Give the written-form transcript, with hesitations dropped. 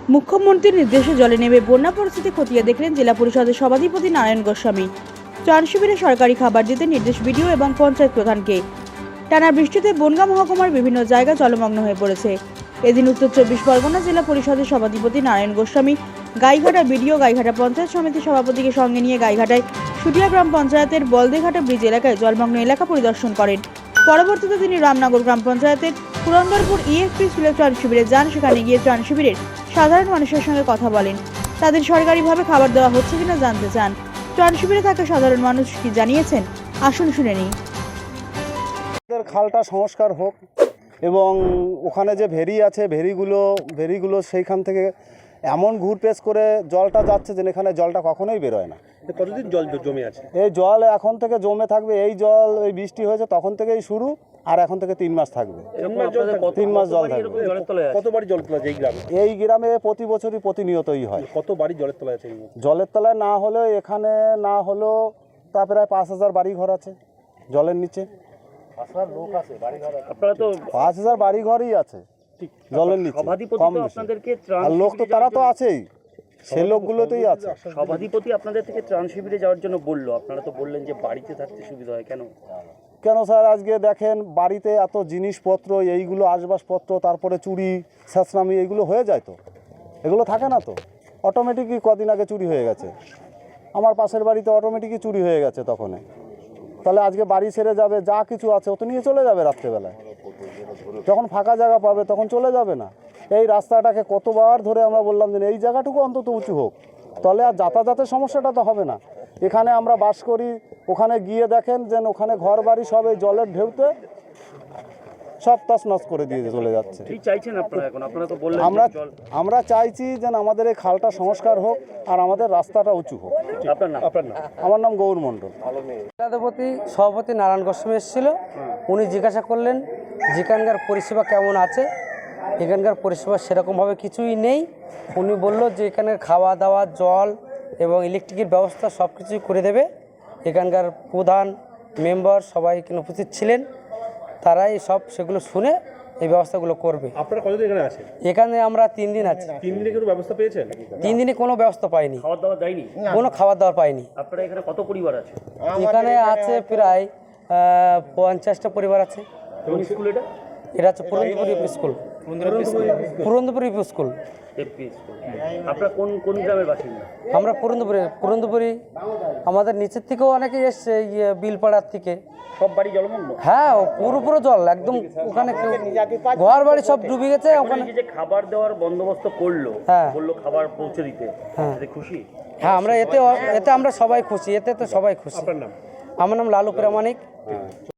মুখ্যমন্ত্রীর নির্দেশে জলে নেমে বন্যা পরিস্থিতি খতিয়ে দেখলেন জেলা পরিষদের সভাধিপতি নারায়ণ গোস্বামী। ত্রাণ শিবিরে সরকারি খাবার দিতে নির্দেশ বিডিও এবং পঞ্চায়েত প্রধানকে। টানা বৃষ্টিতে বনগাঁ মহকুমার বিভিন্ন জায়গা জলমগ্ন হয়ে পড়েছে। এদিন উত্তর 24 পরগনা জেলা পরিষদের সভাধিপতি নারায়ণ গোস্বামী গাইঘাটা বিডিও, গাইঘাটা পঞ্চায়েত সমিতির সভাপতিকে সঙ্গে নিয়ে গাইঘাটায় সুটিয়া গ্রাম পঞ্চায়েতের বলদেঘাটা ব্রিজ এলাকায় জলমগ্ন এলাকা পরিদর্শন করেন। পরবর্তীতে তিনি রামনগর গ্রাম পঞ্চায়েতের পুরন্দরপুর ইএফপি স্কুলের ত্রাণ শিবিরে যান। সেখানে গিয়ে ত্রাণ শিবিরের সাধারণ মানুষের সঙ্গে কথা বলেন। তাদের সরকারিভাবে খাবার দেওয়া হচ্ছে কিনা জানতে চান। ত্রাণ শিবিরে থাকা সাধারণ মানুষ কি জানিয়েছেন আসুন শুনে নিই। খালটা সংস্কার হোক এবং ওখানে যে ভেরি আছে ভেরিগুলো সেইখান থেকে এমন ঘুরপেশ করে জলটা যাচ্ছে যে এখানে জলটা কখনোই বেরোয় না। কতদিন জল জমে আছে? এই জল এখন থেকে জমে থাকবে, এই জল এই বৃষ্টি হয়েছে তখন থেকেই শুরু, আর এখন থেকে 3 মাস থাকবে। 3 মাস জল থাকবে। কত বাড়ি জলের তলায় আছে এই গ্রামে? এই গ্রামে প্রতি বছরই প্রতিনিয়তই হয়। কত বাড়ি জলের তলায় আছে? জলের তলায় না হলেও এখানে না হলেও তা প্রায় 5000 বাড়ি ঘর আছে জলের নিচে। আপনারা তো 5000 বাড়ি ঘরই আছে জলের নিচে। সভাধিপতি আপনাদেরকে ত্রাণ আর লোক তো তারা তো আছেই, সেই লোকগুলোতেই আছে। সভাধিপতি আপনাদের থেকে ত্রাণ শিবিরে যাওয়ার জন্য বললো, আপনারা তো বললেন যে বাড়িতে থাকতে সুবিধা হয়। কেন স্যার, আজকে দেখেন বাড়িতে এত জিনিসপত্র, এইগুলো আসবাবপত্র, তারপরে চুরি ছেঁচড়ামি এইগুলো হয়ে যায়, তো এগুলো থাকে না, তো অটোমেটিকই কদিন আগে চুরি হয়ে গেছে। আমার পাশের বাড়িতে অটোমেটিকই চুরি হয়ে গেছে তখন। তাহলে আজকে বাড়ি ছেড়ে যাবে, যা কিছু আছে ও তো নিয়ে চলে যাবে রাত্রেবেলায়। যখন ফাঁকা জায়গা পাবে তখন চলে যাবে না। এই রাস্তাটাকে কতবার ধরে আমরা বললাম যে এই জায়গাটুকু অন্তত উঁচু হোক, তাহলে আর যাতায়াতের সমস্যাটা তো হবে না। এখানে আমরা বাস করি, ওখানে গিয়ে দেখেন যে ওখানে ঘর বাড়ি সব এই জলের ঢেউতে সব তছনছ করে দিয়ে চলে যাচ্ছে। আমরা চাইছি যে আমাদের এই খালটা সংস্কার হোক আর আমাদের রাস্তাটা উঁচু হোক। আমার নাম গৌর মণ্ডল। সভাপতি নারায়ণ গোস্বামী এসেছিল, উনি জিজ্ঞাসা করলেন যেখানকার পরিষেবা কেমন আছে। এখানকার পরিষেবা সেরকমভাবে কিছুই নেই। উনি বলল যে এখানে খাওয়া দাওয়া, জল এবং ইলেকট্রিকের ব্যবস্থা সব কিছুই করে দেবে। এখানকার প্রধান মেম্বার সবাই এখানে উপস্থিত ছিলেন, তারাই সব সেগুলো শুনে এই ব্যবস্থাগুলো করবে। আপনারা কতদিন এখানে আছেন? এখানে আমরা 3 দিন আছি। 3 দিনে কোনো ব্যবস্থা পেয়েছেন? 3 দিনে কোনো ব্যবস্থা পাইনি, খাওয়া দাওয়া দেয়নি? কোনো খাবার দাবার পাইনি। আপনারা এখানে কত পরিবার আছে? এখানে আছে প্রায় 50টা পরিবার আছে। এবং স্কুল এটা হচ্ছে পুরন্দরপুর স্কুল। পুরন্দরপুর স্কুল। আপনারা কোন গ্রামের বাসিন্দা? আমরা পুরন্দরপুরি। আমাদের নিচের থেকেও অনেকে এসছে, বিলপাড়ার থেকে। সব বাড়ি জলমগ্ন? হ্যাঁ, পুরো জল একদম। ওখানে ঘর বাড়ি সব ডুবে গেছে। ওখানে যে খাবার দেওয়ার বন্দোবস্ত করলো, বললো খাবার পৌঁছে দিতে, খুশি? হ্যাঁ, আমরা এতে আমরা সবাই খুশি, এতে তো সবাই খুশি। আপনার নাম? আমার নাম লালু প্রামাণিক।